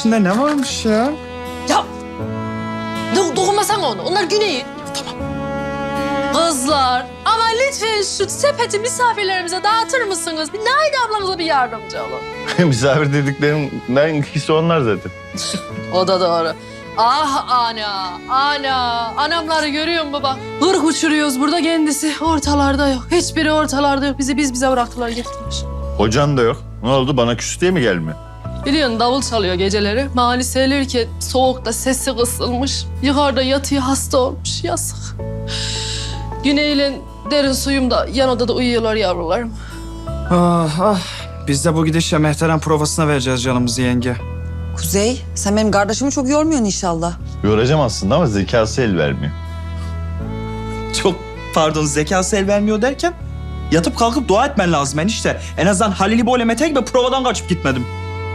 içinde ne varmış ya? Ya dokunmasana onu. Onlar Güney'in. Tamam. Kızlar ama lütfen şu sepeti misafirlerimize dağıtır mısınız? Bir Naide ablamıza bir yardımcı olun. Misafir dediklerimden ikisi onlar zaten. O da doğru. Ah ana. Anamları görüyor musun baba? Hırk uçuruyoruz burada, kendisi ortalarda yok. Hiçbiri ortalarda yok. Bizi bize bıraktılar, gittiler. Hocan da yok. Ne oldu, bana küs diye mi gelmiyor? Biliyorsun davul çalıyor geceleri. Mani seyrelirken soğukta sesi kısılmış. Yukarıda yatıyor, hasta olmuş. Yazık. Güney'le derin suyum da yan odada uyuyorlar yavrularım. Ah ah. Biz de bu gidişle Mehteran provasına vereceğiz canımızı yenge. Kuzey, sen benim kardeşimi çok yormuyorsun inşallah. Yoracağım aslında ama zekası el vermiyor. Çok pardon, zekası el vermiyor derken yatıp kalkıp dua etmen lazım enişte. En azından Halil İbo ile Mete gibi provadan kaçıp gitmedim.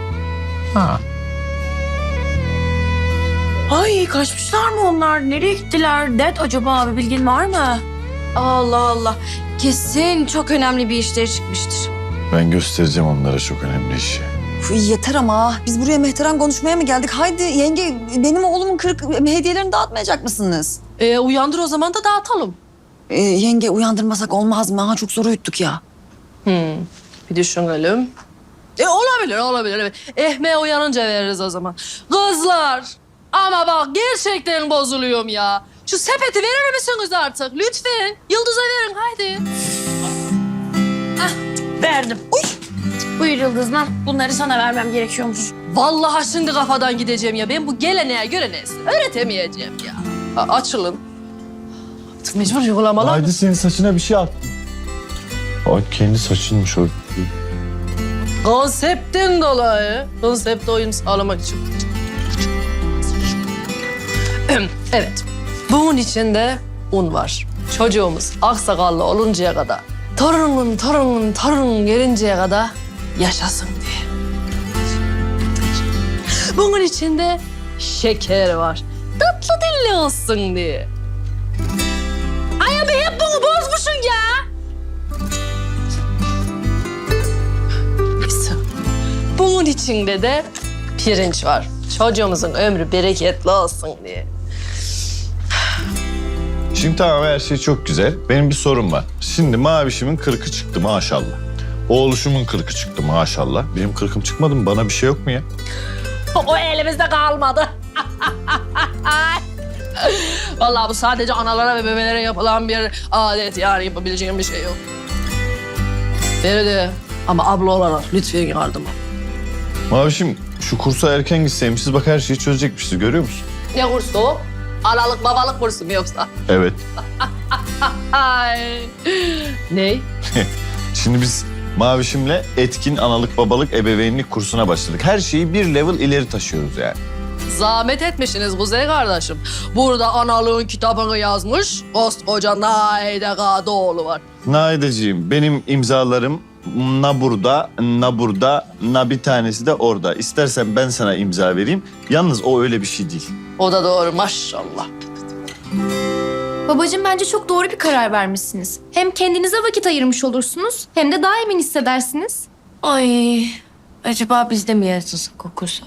Ay kaçmışlar mı onlar? Nereye gittiler? Dert acaba abi, bilgin var mı? Allah Allah. Kesin çok önemli bir işleri çıkmıştır. Ben göstereceğim onlara çok önemli işi. Uf, yeter ama. Biz buraya Mehteran konuşmaya mı geldik? Haydi yenge, benim oğlumun 40 hediyelerini dağıtmayacak mısınız? Uyandır o zaman da dağıtalım. Yenge, uyandırmasak olmaz mı? Ha, çok zor uyuttuk ya. Bir düşünelim. Olabilir. Evet. Ehme uyanınca veririz o zaman. Kızlar, ama bak gerçekten bozuluyorum ya. Şu sepeti verir misiniz artık? Lütfen. Yıldız'a verin haydi. Verdim. Uy. Buyur Yıldız'dan. Bunları sana vermem gerekiyormuş. Vallahi şimdi kafadan gideceğim ya. Ben bu geleneğe göreneği öğretemeyeceğim ya. Açılın. Artık mecbur uygulamalar. Haydi senin saçına bir şey attım. O kendi saçınmış o. Konseptten dolayı. Konsepte uyum sağlamak için. Evet. Bunun içinde un var. Çocuğumuz aksakallı oluncaya kadar, torunun gelinceye kadar yaşasın diye. Bunun içinde şeker var. Tatlı dilli olsun diye. Ay abi hep bunu bozmuşsun ya. Neyse. Bunun içinde de pirinç var. Çocuğumuzun ömrü bereketli olsun diye. Şimdi tamam, her şey çok güzel. Benim bir sorum var. Şimdi mavişimin 40'ı çıktı maşallah. Oğluşumun 40'ı çıktı maşallah. Benim 40'ım çıkmadı mı? Bana bir şey yok mu ya? O elimizde kalmadı. Vallahi bu sadece analara ve bebelere yapılan bir adet, yani yapabileceğim bir şey yok. Feride, ama abla olarak lütfen yardım et. Mavişim, şu kursa erken gitseymişiz, bak her şeyi çözecekmişiz, görüyor musun? Ne kursu o? Analık babalık kursu mu yoksa? Evet. Ay. Ne? Şimdi biz Mavişim'le etkin analık babalık ebeveynlik kursuna başladık. Her şeyi bir level ileri taşıyoruz yani. Zahmet etmişsiniz Kuzey kardeşim. Burada analığın kitabını yazmış koskoca Naide Kadıoğlu var. Naideciğim, benim imzalarım na burada, na burada, na bir tanesi de orada. İstersen ben sana imza vereyim. Yalnız o öyle bir şey değil. O da doğru maşallah. Babacığım, bence çok doğru bir karar vermişsiniz. Hem kendinize vakit ayırmış olursunuz hem de daha emin hissedersiniz. Ay acaba biz de mi yazılsak o kursa?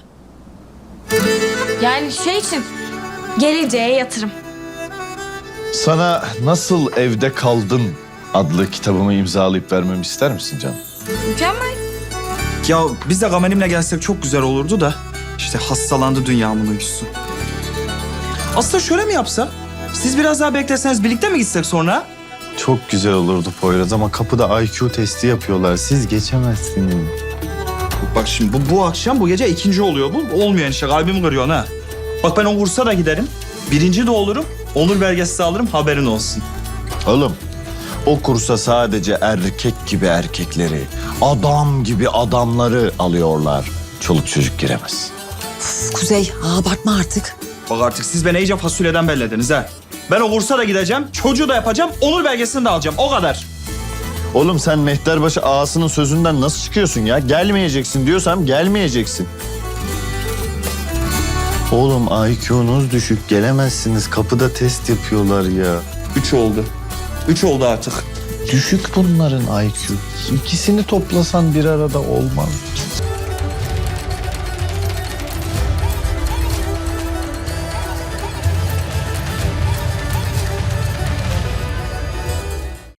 Yani şey için, geleceğe yatırım. Sana Nasıl Evde Kaldın adlı kitabımı imzalayıp vermemi ister misin canım? Mükemmel. Ya biz de Gamenim'le gelsek çok güzel olurdu da işte hastalandı dünyamın uykusu. Aslında şöyle mi yapsak? Siz biraz daha bekleseniz birlikte mi gitsek sonra? Çok güzel olurdu Poyraz ama kapıda IQ testi yapıyorlar. Siz geçemezsiniz. Bak şimdi bu akşam bu gece ikinci oluyor bu. Olmuyor enişte, kalbimi kırıyorsun ha. Bak ben o kursa da giderim. Birinci de olurum. Onur belgesi de alırım, haberin olsun. Oğlum, o kursa sadece erkek gibi erkekleri, adam gibi adamları alıyorlar. Çoluk çocuk giremez. Uf, Kuzey, abartma artık. Bak artık siz beni iyice fasulyeden bellediniz ha. Ben o kursa da gideceğim, çocuğu da yapacağım, onur belgesini de alacağım. O kadar. Oğlum sen Mehterbaşı ağasının sözünden nasıl çıkıyorsun ya? Gelmeyeceksin diyorsam gelmeyeceksin. Oğlum IQ'nuz düşük, gelemezsiniz. Kapıda test yapıyorlar ya. 3 oldu. 3 oldu artık. Düşük bunların IQ. İkisini toplasan bir arada olmaz.